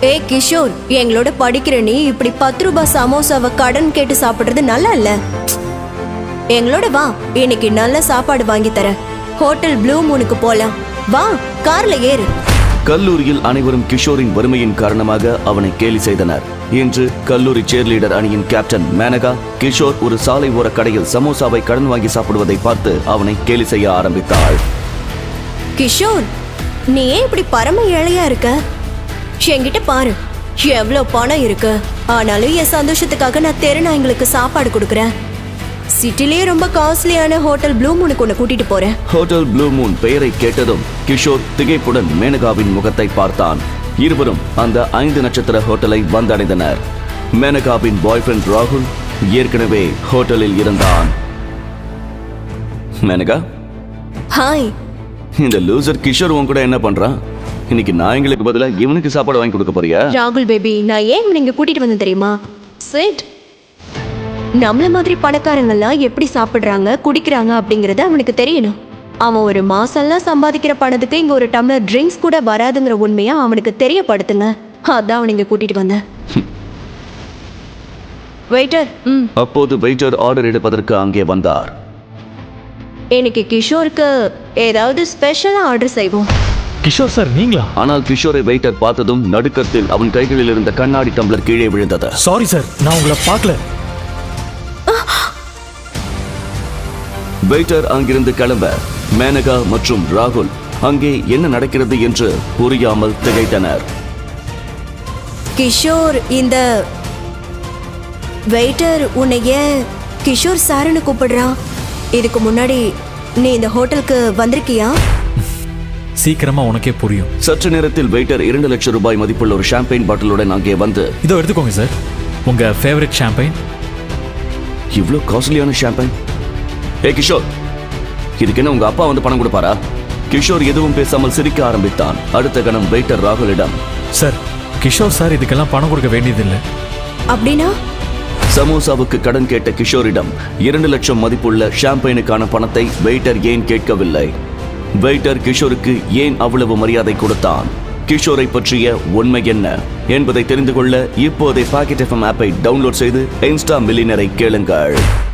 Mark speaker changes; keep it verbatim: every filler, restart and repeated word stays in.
Speaker 1: ஏய் கிஷோர், எங்களோட படிக்கிற நீ இப்படி பத்து ரூபாய் சமோசாவை கடன் கேட்டு சாப்பிடுறது நல்லா இல்ல. எங்களோட வா, இன்னைக்கு நல்ல சாப்பாடு வாங்கி தர. ஹோட்டல் ப்ளூ மூனுக்கு போலாம். வா, கார்ல ஏறு.
Speaker 2: கல்லூரியில் அனைவரும் கிஷோரின் வறுமையின் காரணமாக அவனை கேலி செய்தனர். இன்று கல்லூரி சேர்லீடர் அணியின் கேப்டன் மேனகா கிஷோர் ஒரு சாலை ஓர கடையில் சமோசாவை கடன் வாங்கி சாப்பிடுவதை பார்த்து அவனை கேலி செய்ய ஆரம்பித்தாள்.
Speaker 1: கிஷோர், நீ ஏன் இப்படி பரம ஏழையா இருக்க? என்கிட்ட பாரு, எவ்வளவு பணம் இருக்கு. ஆனாலும் என் சந்தோஷத்துக்காக நான் தெருநாய்களுக்கு சாப்பாடு கொடுக்கறேன். சிட்டிலேயே ரொம்ப காஸ்ட்லியான ஹோட்டல் ப்ளூ மூனுக்கு உன்னை கூட்டிட்டு போறேன்.
Speaker 2: ஹோட்டல் ப்ளூ மூன் பெயரை கேட்டதும் கிஷோர் திகைப்புடன் மேனகாவின் முகத்தை பார்த்தான். இருவரும் அந்த ஐந்து நட்சத்திர ஹோட்டலை வந்தடைந்தனர். மேனகாவின் பாய் ஃப்ரெண்ட் ராகுல் ஏற்கனவே ஹோட்டலில் இருந்தான். மேனகா,
Speaker 1: ஹாய்.
Speaker 2: இந்த லூசர் கிஷோர் உன் கூட என்ன பண்றான்? இன்னைக்கு நாய்களுக்கு பதிலா இவனுக்கு சாப்பாடு வாங்கி கொடுக்க போறியா?
Speaker 1: ராகுல் பேபி, நான் ஏன் இவனை இங்க கூட்டிட்டு வந்தேன் தெரியுமா? சிட். நம்மள மாதிரி பணக்காரங்கெல்லாம் எப்படி சாப்பிடுறாங்க குடிக்கிறாங்க அப்படிங்கறது அவனுக்கு தெரியணும். அவன் ஒரு மாசம்லாம் சம்பாதிக்கிற பணத்துக்கு இங்க ஒரு டம்ளர் ட்ரிங்க்ஸ் கூட வராதுங்கிற உண்மையா அவனுக்கு தெரியப்படுத்துங்க. அதான் அவனை இங்க கூட்டிட்டு வந்தேன். வெயிட்டர். ம்.
Speaker 2: அப்போது வெயிட்டர் ஆர்டர் எடுப்பதற்கு அங்கே வந்தார்.
Speaker 1: இன்னைக்கு கிஷோருக்கு ஏதாவது ஸ்பெஷலா ஆர்டர் செய்வோம்.
Speaker 3: கிஷோர் சார், நீங்களா?
Speaker 2: ஆனால் கிஷோரை வெயிட்டர் பார்த்ததும் நடுக்கத்தில் அவன் கைகளில் இருந்த கண்ணாடி டம்ளர் கீழே விழுந்தது.
Speaker 3: சாரி சார், நான் உங்களை பார்க்கல.
Speaker 2: வெயிட்டர் அங்கிருந்து கிளம்ப மேனகா மற்றும் ராகுல் அங்கே என்ன நடக்கிறது என்று புரியாமல் திகைத்தனர்.
Speaker 1: கிஷோர், இந்த வெயிட்டர் உன்னை ஏன் கிஷோர் சாருன்னு கூப்பிடுறான்? இதுக்கு முன்னாடி நீ இந்த ஹோட்டலுக்கு வந்திருக்கியா?
Speaker 3: சீக்கிரமா உனக்கே புரியும்.
Speaker 2: சற்று நேரத்தில் வெயிட்டர் இரண்டு லட்சம் ரூபாய் மதிப்புள்ள ஒரு ஷாம்பெயின் பாட்டிலுடன் அங்கே வந்து,
Speaker 3: இதோ எடுத்துக்கோங்க சார், உங்க ஃபேவரட் ஷாம்பெயின்.
Speaker 2: இவ்வளவு காஸ்ட்லியான ஷாம்பெயின்? ஏ கிஷோர், இதுக்கு என்ன உங்க அப்பா வந்து பணம் கொடுப்பாரா? கிஷோர் எதுவும் பேசாமல் சிரிக்க ஆரம்பித்தான். அடுத்த கணம் வெயிட்டர் ராகுலிடம்,
Speaker 3: சார், கிஷோர் சார் இதுக்கெல்லாம் பணம் கொடுக்க வேண்டியதில்லை.
Speaker 1: அப்படின்னா?
Speaker 2: சமோசாவுக்கு கடன் கேட்ட கிஷோரிடம் இரண்டு லட்சம் மதிப்புள்ள ஷாம்பெயினுக்கான பணத்தை வெயிட்டர் ஏன் கேட்கவில்லை? வெயிட்டர் கிஷோருக்கு ஏன் அவ்வளவு மரியாதை கொடுத்தான்? கிஷோரை பற்றிய உண்மை என்ன என்பதை தெரிந்து கொள்ள இப்போதே பாக்கெட் எஃப்எம் ஆப்பை டவுன்லோட் செய்து இன்ஸ்டா மில்லியனரை கேளுங்கள்.